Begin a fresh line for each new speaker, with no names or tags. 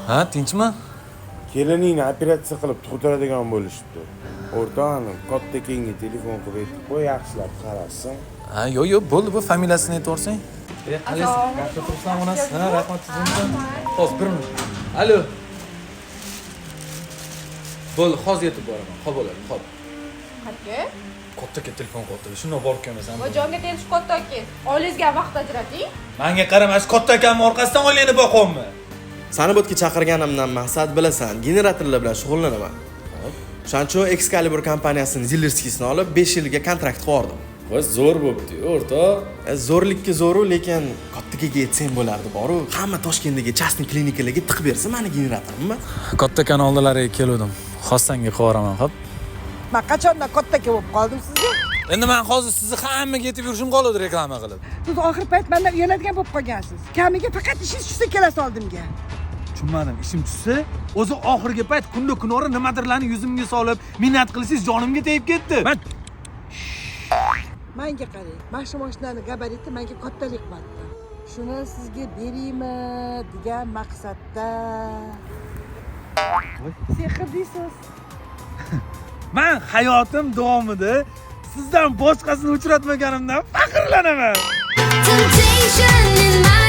Ha, tinchmi?
Keliningni operatsiya qilib tug'diradigan bo'lishibdi. O'rtog'im katta kenga telefon qilib aytib qo'y, yaxshilab qarasin.
Ha, yo'q, bo'ldi, bu familiyasini aytib yuborsang. Qalaysiz? Yaxshi turibsan, onasi? Ha, rahmat sizga. Hozir bir minut. Alo. Bo'ldi, hozir yetib boraman. Xo'p bo'ladi, xo'p.
Qancha?
Katta telefon qilibdi. Shunday borib kelmasam.
Va jonga tegishib katta aka. Oilangizga vaqt ajrating.
Menga qarama, shu katta akamning orqasidan oilangni boqyapman.
Sani bu yerga chaqirganimdan maqsad bilasan, generatorlar bilan shug'ullanaman. O'shaning uchun Excalibur kompaniyasining Zillerskisini olib 5 yilga kontrakt qildim.
Voy, zo'r bo'pti, o'rtoq.
Zo'rlikka zo'ru, lekin kattaga yetsang bo'lardi, boru. Hamma Toshkentdagi частный klinikalarga tiqib bersa, meni generatorimni.
Katta akan oldilariga keldim. Xossanga qilib hop.
Men qachondan kattaka bo'lib qoldim sizga?
Endi men hozir sizni hammaga yetib yurishim qoladi reklama qilib.
Siz oxir payt mendan uyaladigan bo'lib qolgansiz. Kamiga faqat ishingiz tushsa kelasiz oldimga.
Tushunmadim, ishim tushsa, o'zi oxirgi payt kunda kunora nimadirlarni yuzimga solib, minnat qilsangiz jonimga tegib ketdi.
Menga qarang. Mana shu mashinaning gabariti menga kattalik qildi. Shuni sizga beraymi degan maqsadda. Sehr deysiz.
Men hayotim davomida sizdan boshqasini uchratmaganimdan faxrlanaman.
Temptation in my